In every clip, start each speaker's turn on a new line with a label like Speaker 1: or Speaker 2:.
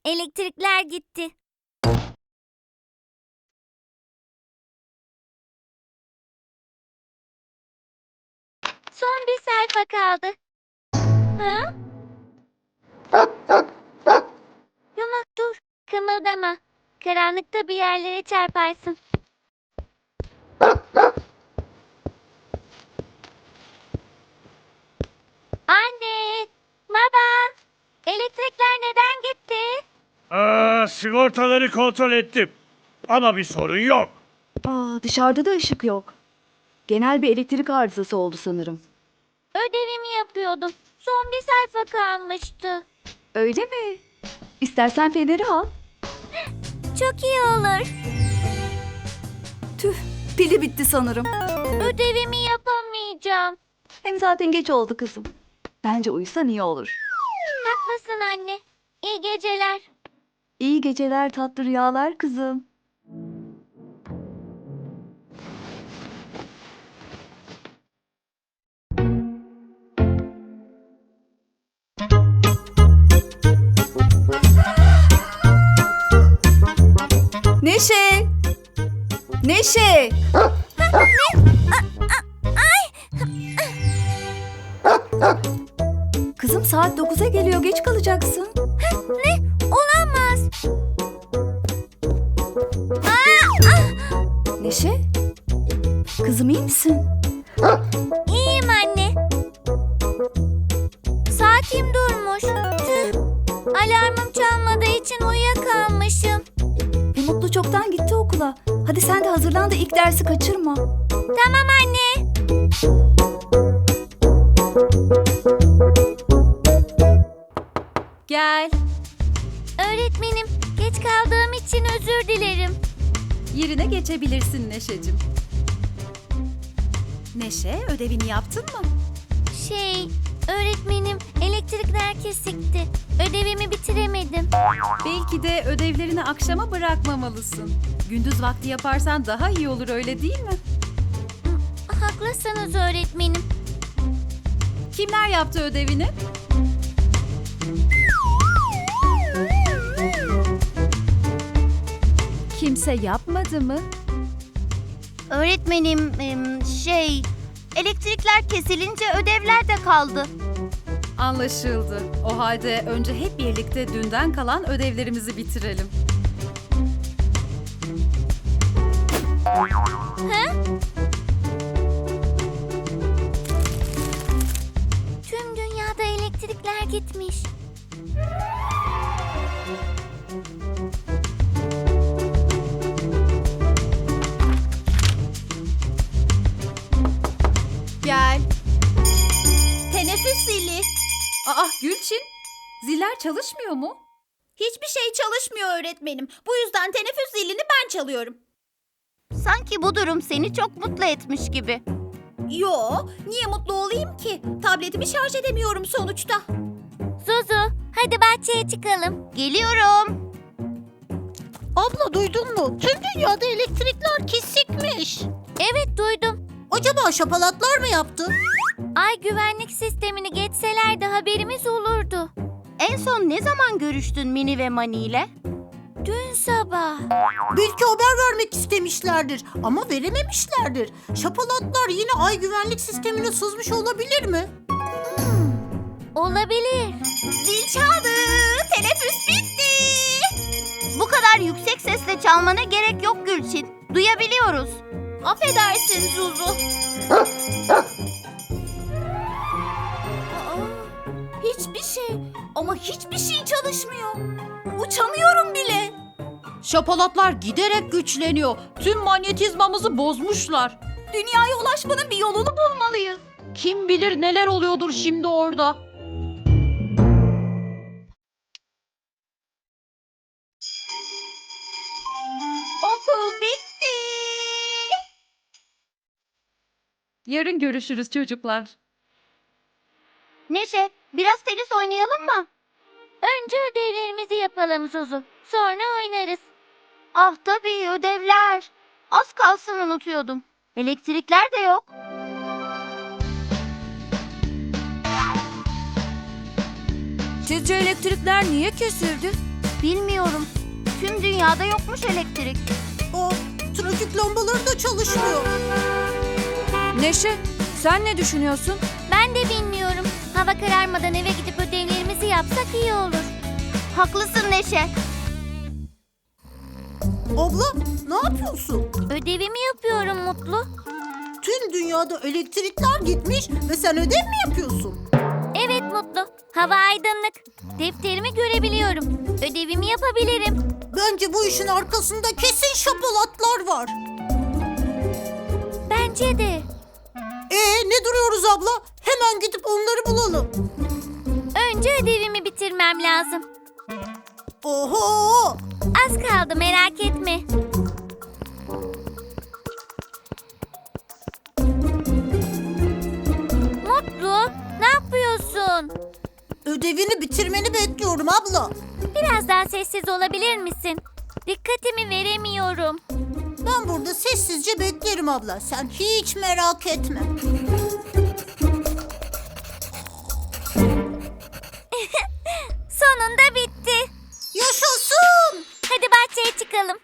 Speaker 1: Elektrikler gitti. Son bir sayfa kaldı. Ha? Yumak dur. Kımıldama. Karanlıkta bir yerlere çarparsın. Anne! Baba! Elektrikler neden gitti?
Speaker 2: Sigortaları kontrol ettim. Ama bir sorun yok.
Speaker 3: Dışarıda da ışık yok. Genel bir elektrik arızası oldu sanırım.
Speaker 1: Ödevimi yapıyordum. Son bir sayfa kalmıştı.
Speaker 3: Öyle mi? İstersen feneri al.
Speaker 1: Çok iyi olur.
Speaker 3: Tüh, pili bitti sanırım.
Speaker 1: Ödevimi yapamayacağım.
Speaker 3: Hem zaten geç oldu kızım. Bence uyusan iyi olur.
Speaker 1: Haklısın anne. İyi geceler.
Speaker 3: İyi geceler, tatlı rüyalar kızım. Neşe! Neşe! Kızım saat 9'a geliyor, geç kalacaksın.
Speaker 1: Ne? Olamaz.
Speaker 3: Neşe? Kızım iyi misin?
Speaker 1: İyiyim anne. Saatim durmuş. Tüh. Alarmım çalmadığı için uyuyakalmışım.
Speaker 3: Mutlu çoktan gitti okula. Hadi sen de hazırlan da ilk dersi kaçırma.
Speaker 1: Tamam anne.
Speaker 4: Gel.
Speaker 1: Öğretmenim, geç kaldığım için özür dilerim.
Speaker 4: Yerine geçebilirsin Neşe'cim. Neşe, ödevini yaptın mı?
Speaker 1: Öğretmenim, elektrikler kesikti. Ödevimi bitiremedim.
Speaker 4: Belki de ödevlerini akşama bırakmamalısın. Gündüz vakti yaparsan daha iyi olur, öyle değil mi?
Speaker 1: Haklısınız öğretmenim.
Speaker 4: Kimler yaptı ödevini? Kimse yapmadı mı?
Speaker 1: Öğretmenim, elektrikler kesilince ödevler de kaldı.
Speaker 4: Anlaşıldı. O halde önce hep birlikte dünden kalan ödevlerimizi bitirelim.
Speaker 1: Tüm dünyada elektrikler gitmiş.
Speaker 4: Gel. Teneffüs zili. Gülçin, ziller çalışmıyor mu?
Speaker 5: Hiçbir şey çalışmıyor öğretmenim. Bu yüzden teneffüs zilini ben çalıyorum.
Speaker 1: Sanki bu durum seni çok mutlu etmiş gibi.
Speaker 5: Yo, niye mutlu olayım ki? Tabletimi şarj edemiyorum sonuçta.
Speaker 1: Zuzu, hadi bahçeye çıkalım. Geliyorum.
Speaker 5: Abla duydun mu? Tüm dünyada elektrikler kesikmiş.
Speaker 1: Evet duydum.
Speaker 5: Acaba şapalatlar mı yaptı?
Speaker 1: Ay güvenlik sistemini geçselerdi haberimiz olurdu. En son ne zaman görüştün Mini ve Mani ile? Dün sabah.
Speaker 5: Belki haber vermek istemişlerdir ama verememişlerdir. Şapalatlar yine ay güvenlik sistemine sızmış olabilir mi?
Speaker 1: Olabilir.
Speaker 5: Zil çaldı. Teneffüs bitti.
Speaker 1: Bu kadar yüksek sesle çalmana gerek yok Gülçin. Duyabiliyoruz.
Speaker 5: Affedersin Zuzu. Hiçbir şey ama hiçbir şey çalışmıyor. Uçamıyorum bile.
Speaker 4: Şapalatlar giderek güçleniyor. Tüm manyetizmamızı bozmuşlar.
Speaker 5: Dünyaya ulaşmanın bir yolunu bulmalıyız.
Speaker 4: Kim bilir neler oluyordur şimdi orada.
Speaker 5: Okul bitti.
Speaker 4: Yarın görüşürüz çocuklar.
Speaker 1: Neşe, biraz tenis oynayalım mı? Önce ödevlerimizi yapalım Zuzu. Sonra oynarız. Ah tabii ödevler. Az kalsın unutuyordum. Elektrikler de yok.
Speaker 3: Sizce elektrikler niye kesildi?
Speaker 1: Bilmiyorum. Tüm dünyada yokmuş elektrik.
Speaker 5: Aa, trafik lambaları da çalışmıyor.
Speaker 3: Neşe, sen ne düşünüyorsun?
Speaker 1: Ben de bilmiyorum. Hava kararmadan eve gidip ödevlerimizi yapsak iyi olur. Haklısın Neşe.
Speaker 5: Abla, ne yapıyorsun?
Speaker 1: Ödevimi yapıyorum Mutlu.
Speaker 5: Tüm dünyada elektrikler gitmiş ve sen ödev mi yapıyorsun?
Speaker 1: Evet Mutlu. Hava aydınlık. Defterimi görebiliyorum. Ödevimi yapabilirim.
Speaker 5: Bence bu işin arkasında kesin şapalatlar var.
Speaker 1: Bence de.
Speaker 5: Ne duruyoruz abla? Hemen gidip onları bulalım.
Speaker 1: Önce ödevimi bitirmem lazım.
Speaker 5: Oho!
Speaker 1: Az kaldı, merak etme. Mutlu, ne yapıyorsun?
Speaker 5: Ödevini bitirmeni bekliyorum abla.
Speaker 1: Biraz daha sessiz olabilir misin? Dikkatimi veremiyorum.
Speaker 5: Ben burada sessizce beklerim abla. Sen hiç merak etme.
Speaker 1: Sonunda bitti.
Speaker 5: Yaşasın!
Speaker 1: Hadi bahçeye çıkalım.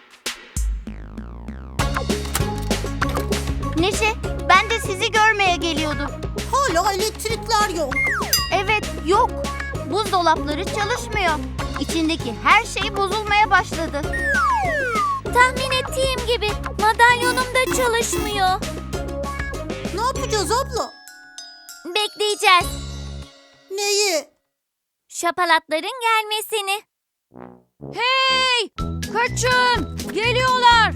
Speaker 1: Neşe, ben de sizi görmeye geliyordum.
Speaker 5: Hala elektrikler yok.
Speaker 1: Evet, yok. Buzdolapları çalışmıyor. İçindeki her şey bozulmaya başladı. Tahmin ettiğim gibi madalyonum da çalışmıyor.
Speaker 5: Ne yapacağız abla?
Speaker 1: Bekleyeceğiz.
Speaker 5: Neyi?
Speaker 1: Şapalatların gelmesini.
Speaker 3: Hey! Kaçın! Geliyorlar!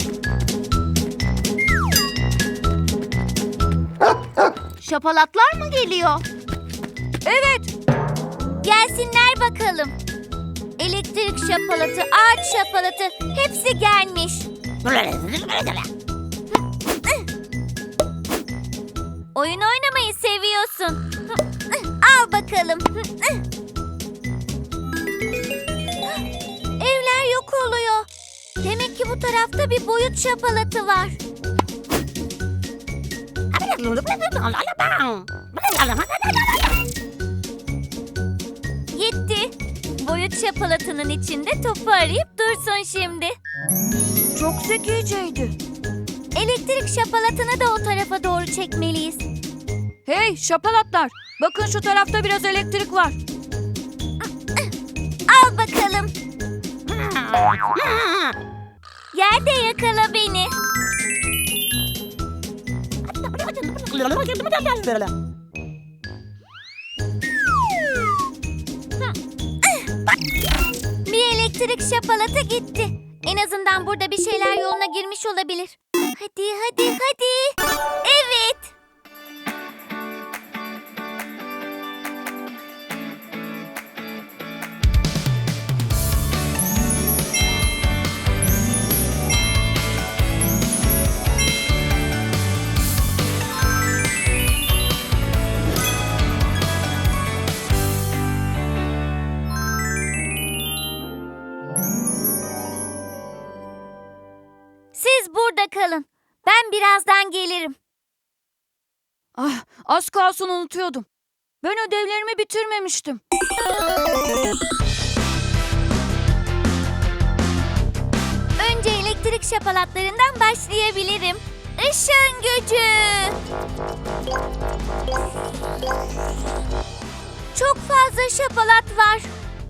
Speaker 1: Şapalatlar mı geliyor?
Speaker 3: Evet!
Speaker 1: Gelsinler bakalım. Elektrik şapalatı, ağaç şapalatı hepsi gelmiş. Oyun oynamayı seviyorsun. Al bakalım. Evler yok oluyor. Demek ki bu tarafta bir boyut şapalatı var. Gitti. Boyut şapalatının içinde topu arayıp dursun şimdi.
Speaker 3: Çok zekiceydi.
Speaker 1: Elektrik şapalatını da o tarafa doğru çekmeliyiz.
Speaker 3: Hey şapalatlar! Bakın şu tarafta biraz elektrik var.
Speaker 1: Al bakalım. Yerde yakala beni. Bir elektrik şapalatı gitti. En azından burada bir şeyler yoluna girmiş olabilir. Hadi, hadi, hadi. Evet. Siz burada kalın. Ben birazdan gelirim.
Speaker 3: Ah, az kalsın unutuyordum. Ben ödevlerimi bitirmemiştim.
Speaker 1: Önce elektrik şapalatlarından başlayabilirim. Işın gücü. Çok fazla şapalat var.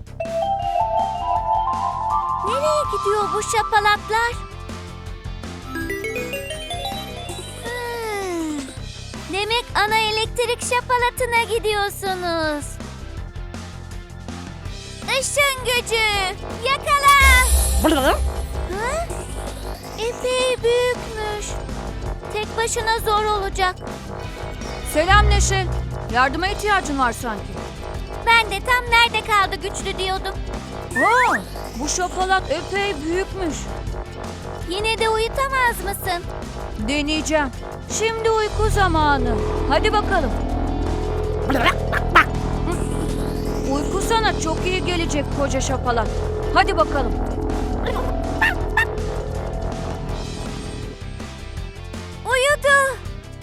Speaker 1: Nereye gidiyor bu şapalatlar? Demek ana elektrik şapalatına gidiyorsunuz. Işın gücü. Yakala. Ha? Epey büyükmüş. Tek başına zor olacak.
Speaker 3: Selam Neşe. Yardıma ihtiyacın var sanki.
Speaker 1: Ben de tam nerede kaldı güçlü diyordum.
Speaker 3: Aa, bu şapalat epey büyükmüş.
Speaker 1: Yine de uyutamaz mısın?
Speaker 3: Deneyeceğim. Şimdi uyku zamanı. Hadi bakalım. Uyku sana çok iyi gelecek koca şapalat. Hadi bakalım.
Speaker 1: Uyudu.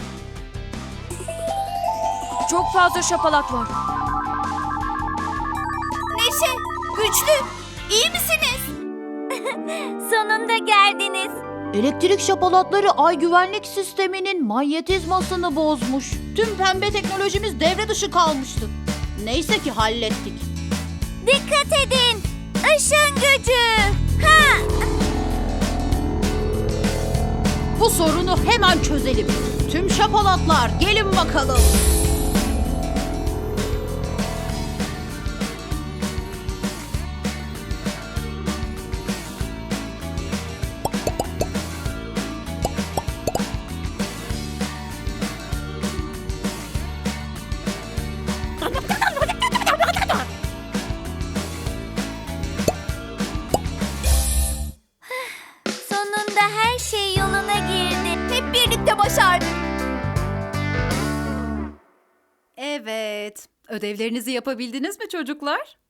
Speaker 3: Çok fazla şapalat var.
Speaker 1: Neşe, güçlü.
Speaker 4: İyi misiniz?
Speaker 1: Sonunda geldiniz.
Speaker 5: Elektrik şapalatları ay güvenlik sisteminin manyetizmasını bozmuş. Tüm pembe teknolojimiz devre dışı kalmıştı. Neyse ki hallettik.
Speaker 1: Dikkat edin. Işın gücü. Ha!
Speaker 5: Bu sorunu hemen çözelim. Tüm şapalatlar gelin bakalım.
Speaker 1: Sonunda her şey yoluna girdi. Hep birlikte başardık.
Speaker 4: Evet. Ödevlerinizi yapabildiniz mi çocuklar?